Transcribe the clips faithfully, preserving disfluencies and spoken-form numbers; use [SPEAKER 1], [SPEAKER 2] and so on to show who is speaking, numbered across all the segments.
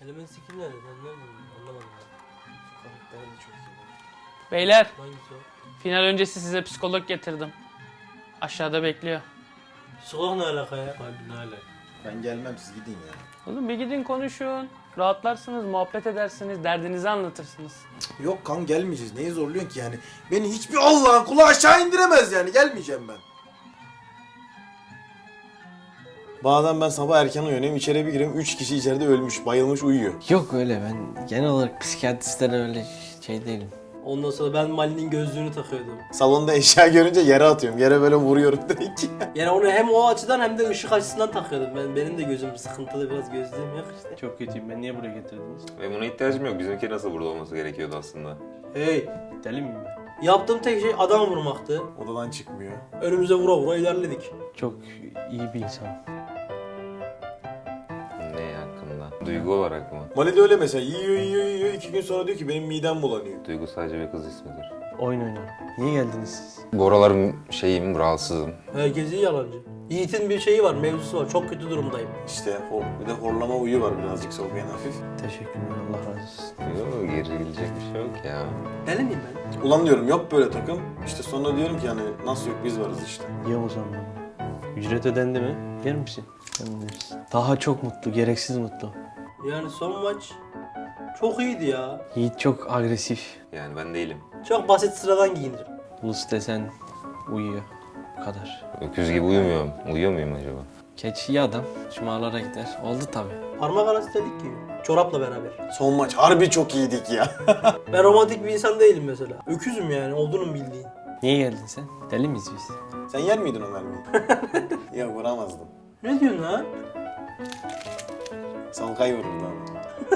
[SPEAKER 1] Elemen sikim nerede? Ben nereden anlamadım.
[SPEAKER 2] Karakterim de çok iyi.
[SPEAKER 3] Beyler,
[SPEAKER 1] Hangisi o?
[SPEAKER 3] final öncesi size psikolog getirdim. Aşağıda bekliyor.
[SPEAKER 1] Psikolog ne alaka ya? Abi ne alaka?
[SPEAKER 2] Ben gelmem, siz gidin ya.
[SPEAKER 3] Oğlum bir gidin konuşun. Rahatlarsınız, muhabbet edersiniz, derdinizi anlatırsınız.
[SPEAKER 2] Yok kan, gelmeyeceğiz. Neyi zorluyorsun ki yani? Beni hiçbir Allah'ın kulu aşağı indiremez yani. Gelmeyeceğim ben. Bazen ben sabah erken uyanıyorum, içeri bir giriyorum, üç kişi içeride ölmüş, bayılmış, uyuyor.
[SPEAKER 4] Yok öyle, ben genel olarak psikiyatristlere öyle şey değilim.
[SPEAKER 1] Ondan sonra ben Mali'nin gözlüğünü takıyordum.
[SPEAKER 2] Salonda eşya görünce yere atıyorum, yere böyle vuruyorum direkt.
[SPEAKER 1] Yani onu hem o açıdan hem de ışık açısından takıyordum. Ben benim de gözüm sıkıntılı, biraz gözlüğüm yok işte.
[SPEAKER 4] Çok kötüyüm, ben niye buraya getirdiniz?
[SPEAKER 5] Ve buna ihtiyacım yok. Bizimki nasıl burada olması gerekiyordu aslında.
[SPEAKER 1] Hey,
[SPEAKER 4] Deli miyim ben?
[SPEAKER 1] yaptığım tek şey adam vurmaktı.
[SPEAKER 2] Odadan çıkmıyor.
[SPEAKER 1] Önümüze vura vura ilerledik.
[SPEAKER 4] Çok iyi bir insan.
[SPEAKER 5] Ne hakkında? Duygu olarak mı?
[SPEAKER 2] Mali de öyle mesela, yiyor yiyor yiyor, iki gün sonra diyor ki benim midem bulanıyor.
[SPEAKER 5] Duygu sadece bir kız ismidir.
[SPEAKER 4] Oyun oynarım. Niye geldiniz siz?
[SPEAKER 5] Bu aralar şeyim, rahatsızım.
[SPEAKER 1] Herkes iyi yalancı. Yiğit'in bir şeyi var, mevzusu var. Çok kötü durumdayım.
[SPEAKER 2] İşte o, bir de horlama uyu var birazcık soğuyan hafif.
[SPEAKER 4] Teşekkürler, Allah razı olsun.
[SPEAKER 5] Yok, gerilecek bir şey yok ya.
[SPEAKER 1] Deli miyim ben?
[SPEAKER 2] Ulan diyorum yok böyle takım. İşte sonra diyorum ki hani nasıl yok, biz varız işte.
[SPEAKER 4] Yiyor mu zaman? Ücret ödendi mi? Yer misin? Yemez. Daha çok mutlu, gereksiz mutlu.
[SPEAKER 1] Yani son maç çok iyiydi ya.
[SPEAKER 4] Yiğit çok agresif.
[SPEAKER 5] Yani ben değilim.
[SPEAKER 1] Çok basit, sıradan giyinirim.
[SPEAKER 4] Ulus desen uyuyor. Bu kadar.
[SPEAKER 5] Öküz gibi uyumuyorum. Uyuyor muyum acaba?
[SPEAKER 4] Keçi iyi adam. Şumalara gider. Oldu tabi.
[SPEAKER 1] Parmak arası dedik ki. Çorapla beraber.
[SPEAKER 2] Son maç harbi çok iyiydik ya.
[SPEAKER 1] Ben romantik bir insan değilim mesela. Öküzüm yani, olduğunu bildiğin.
[SPEAKER 4] Niye geldin sen? Deli miyiz biz?
[SPEAKER 2] Sen yer miydin o mermiyi? Yok, vuramazdım.
[SPEAKER 1] Ne diyorsun lan?
[SPEAKER 2] Solkay vururdu onu.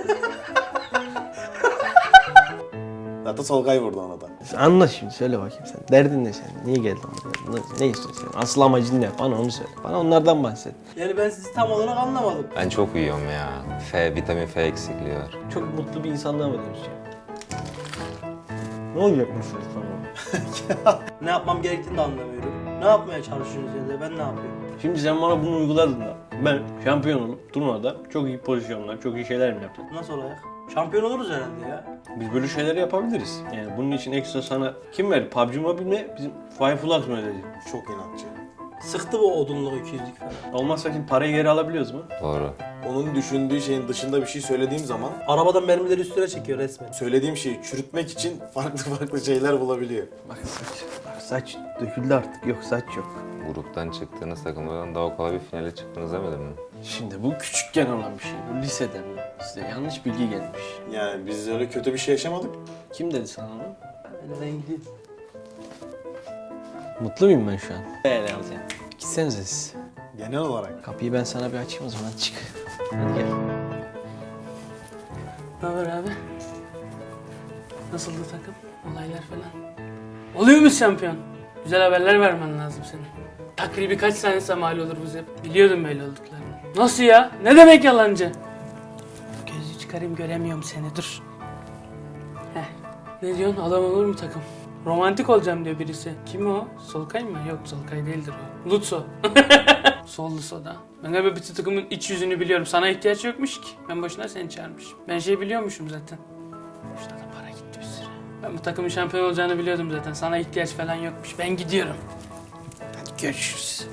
[SPEAKER 2] Zaten Solkay vurdu ona da.
[SPEAKER 4] Anla şimdi, söyle bakayım sen. Derdin ne sen? Niye geldin buraya? Ne, ne istiyorsun sen? Asıl amacın ne? Bana onu söyle. Bana onlardan bahset.
[SPEAKER 1] Yani ben sizi tam olarak anlamadım.
[SPEAKER 5] Ben çok uyuyorum ya. F, vitamin F eksikliği var.
[SPEAKER 4] Çok mutlu bir insanlığa mı dönüşecek? Ne olacak mesela tamam?
[SPEAKER 1] Ne yapmam gerektiğini de anlamıyorum. Ne yapmaya çalışıyorsunuz ya da ben ne yapıyorum?
[SPEAKER 4] Şimdi sen bana bunu uyguladın da ben şampiyon olup turnuvada çok iyi pozisyonlar, çok iyi şeyler mi yaptım?
[SPEAKER 1] Nasıl olacak? Şampiyon oluruz herhalde ya.
[SPEAKER 4] Biz böyle şeyler yapabiliriz. Yani bunun için ekstra sana kim verdi? P U B G Mobile mi? Bizim Firefly mı ödedi?
[SPEAKER 2] Çok inatçı.
[SPEAKER 1] Sıktı bu odunluk ikiyüzlük falan.
[SPEAKER 4] Olmazsa şimdi parayı geri alabiliyoruz mu?
[SPEAKER 5] Doğru.
[SPEAKER 2] Onun düşündüğü şeyin dışında bir şey söylediğim zaman
[SPEAKER 1] Arabadan mermileri üstüne çekiyor resmen.
[SPEAKER 2] söylediğim şeyi çürütmek için farklı farklı şeyler bulabiliyor.
[SPEAKER 4] Bak saç, bak saç döküldü artık. Yok saç yok.
[SPEAKER 5] Gruptan çıktığınız takımlardan daha kolay bir finale çıktınız demedim mi?
[SPEAKER 4] Şimdi bu küçükken olan bir şey. Bu liseden. Size yanlış bilgi gelmiş.
[SPEAKER 2] Yani biz öyle kötü bir şey yaşamadık.
[SPEAKER 4] Kim dedi sana onu?
[SPEAKER 1] Elden gidiyor.
[SPEAKER 4] Mutlu muyum ben şu an? Böyle alacağım. Gitsenize siz.
[SPEAKER 2] Genel olarak.
[SPEAKER 4] Kapıyı ben sana bir açayım o zaman, çık. Hadi gel.
[SPEAKER 3] Ne haber abi? Nasıldı takım? Olaylar falan. Oluyor muyuz şampiyon? Güzel haberler vermen lazım senin. Takribi kaç saniyesi mal olur bu hep? Biliyordum böyle olduklarını. Nasıl ya? Ne demek yalancı? Gözü çıkarayım, göremiyorum seni, dur. Heh. Ne diyorsun? Adam olur mu takım? Romantik olacağım diyor birisi. Kim o? Solkay mı? Yok, Solkay değildir o. Lutso. Sollu soda. Ben galiba bütün takımın iç yüzünü biliyorum. Sana ihtiyaç yokmuş ki. Ben boşuna seni çağırmışım. Ben şey biliyormuşum zaten. Boşuna da para gitti bir sürü. Ben bu takımın şampiyon olacağını biliyordum zaten. Sana ihtiyaç falan yokmuş. Ben gidiyorum. Hadi görüşürüz.